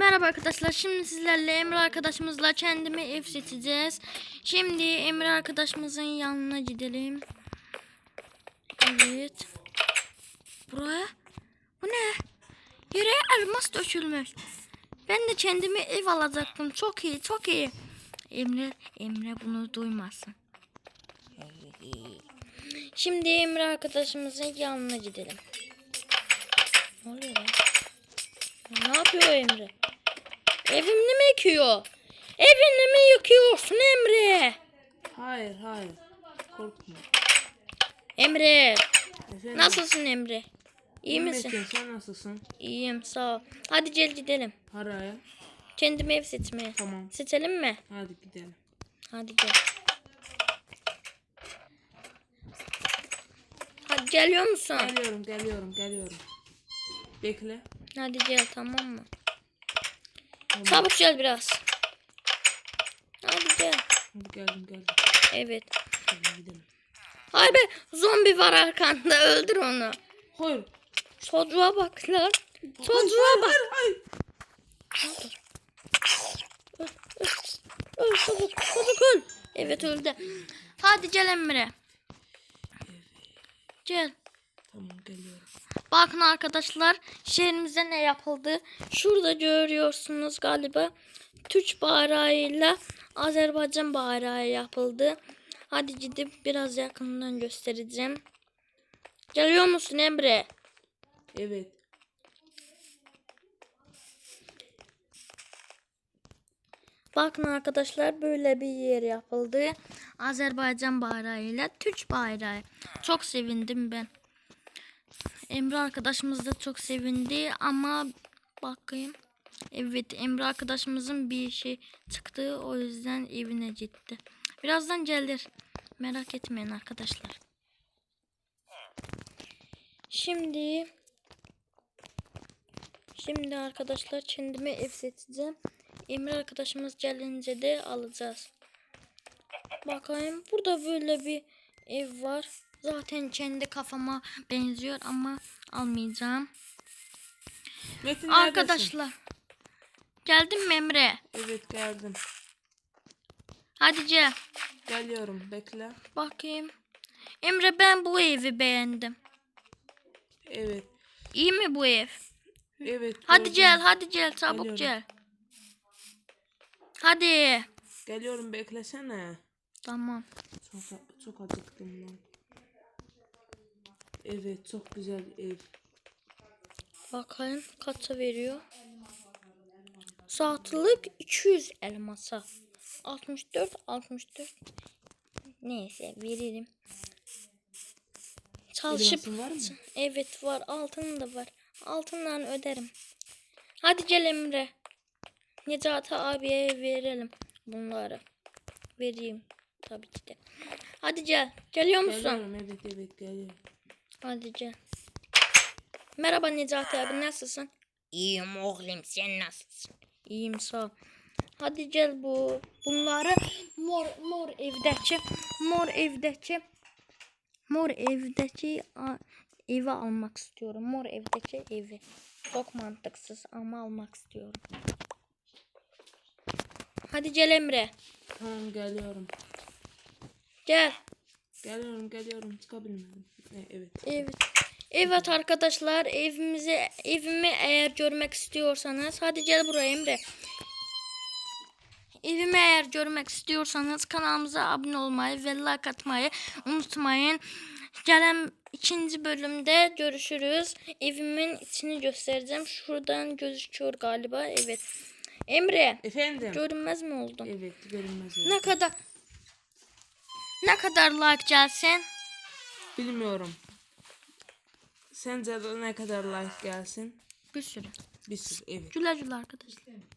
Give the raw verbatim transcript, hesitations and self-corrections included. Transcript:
Merhaba arkadaşlar. Şimdi sizlerle Emre arkadaşımızla kendime ev seçeceğiz. Şimdi Emre arkadaşımızın yanına gidelim. Evet. Buraya. Bu ne? Yere elmas dökülmüş. Ben de kendime ev alacaktım. Çok iyi, çok iyi. Emre, Emre bunu duymasın. Şimdi Emre arkadaşımızın yanına gidelim. Ne oluyor lan? Ne yapıyor Emre? Evimi mi yıkıyor? Evini mi yıkıyorsun Emre? Hayır hayır. Korkma. Emre. Efendim? Nasılsın Emre? İyi misin? Metin, sen nasılsın? İyiyim sağ ol. Hadi gel gidelim. Haraya. Kendime ev seçmeye. Tamam. Seçelim mi? Hadi gidelim. Hadi gel. Hadi geliyor musun? Geliyorum geliyorum geliyorum. Bekle. Hadi gel tamam mı? Tamam. Çabuk gel biraz. Hadi gel. Hadi geldim geldim. Evet. Hadi gidelim. Hayır be, zombi var arkanda, öldür onu. Hayır. Çocuğa bak lan. Çocuğa bak. Hayır hayır. Öl, öl, öl çabuk, çabuk öl. Evet öldü. Hadi gel Emre. Gel. Tamam geliyorum. Bakın arkadaşlar, şehrimize ne yapıldı? Şurada görüyorsunuz galiba. Türk bayrağıyla Azerbaycan bayrağı yapıldı. Hadi gidip biraz yakından göstereceğim. Geliyor musun Emre? Evet. Bakın arkadaşlar, böyle bir yer yapıldı. Azerbaycan bayrağıyla Türk bayrağı. Çok sevindim ben. Emre arkadaşımız da çok sevindi ama bakayım. Evet, Emre arkadaşımızın bir şey çıktı, o yüzden evine gitti. Birazdan gelir. Merak etmeyin arkadaşlar. Şimdi Şimdi arkadaşlar kendime ev seçeceğim. Emre arkadaşımız gelince de alacağız. Bakayım, burada böyle bir ev var. Zaten kendi kafama benziyor ama almayacağım. Metin Arkadaşlar. Geldin mi Emre? Evet geldim. Hadi gel. Geliyorum bekle. Bakayım. Emre, ben bu evi beğendim. Evet. İyi mi bu ev? Evet. Hadi gördüm. gel, hadi gel, çabuk Geliyorum. gel. Hadi. Geliyorum beklesene. Tamam. Çok, çok acıktım lan. Evet çok güzel ev. Bakayım kaça veriyor. Saatlik iki yüz elmasa. altmış dört altmış dört. Neyse veririm. Çalışıp Elmasın var mı? Evet var, altın da var. Altından öderim. Hadi gel Emre. Necati abiye verelim bunları. Vereyim tabii ki de. Hadi gel. Geliyor musun? Geliyorum evet evet geliyorum. Hadi gel. Merhaba Necati abi, nasılsın? İyiyim oğlum, sen nasılsın? İyiyim sağ ol. Hadi gel, bu bunları mor mor evdeki mor evdeki mor evdeki a, evi almak istiyorum. Mor evdeki evi. Çok mantıksız ama almak istiyorum. Hadi gel Emre. Tamam geliyorum. Gel. Geliyorum geliyorum çıkabilmedim. E, evet. Evet. Evet arkadaşlar, evimizi evimi eğer görmek istiyorsanız hadi gel buraya Emre. Evimi eğer görmek istiyorsanız kanalımıza abone olmayı ve like atmayı unutmayın. Gelen ikinci bölümde görüşürüz. Evimin içini göstereceğim. Şuradan gözüküyor galiba. Evet. Emre. Efendim. Görünmez mi oldum? Evet görünmez. Ne kadar ne kadar like gelsin? Bilmiyorum. Sence de ne kadar like gelsin? Bir sürü. Bir sürü evet. Güle güle arkadaşlar.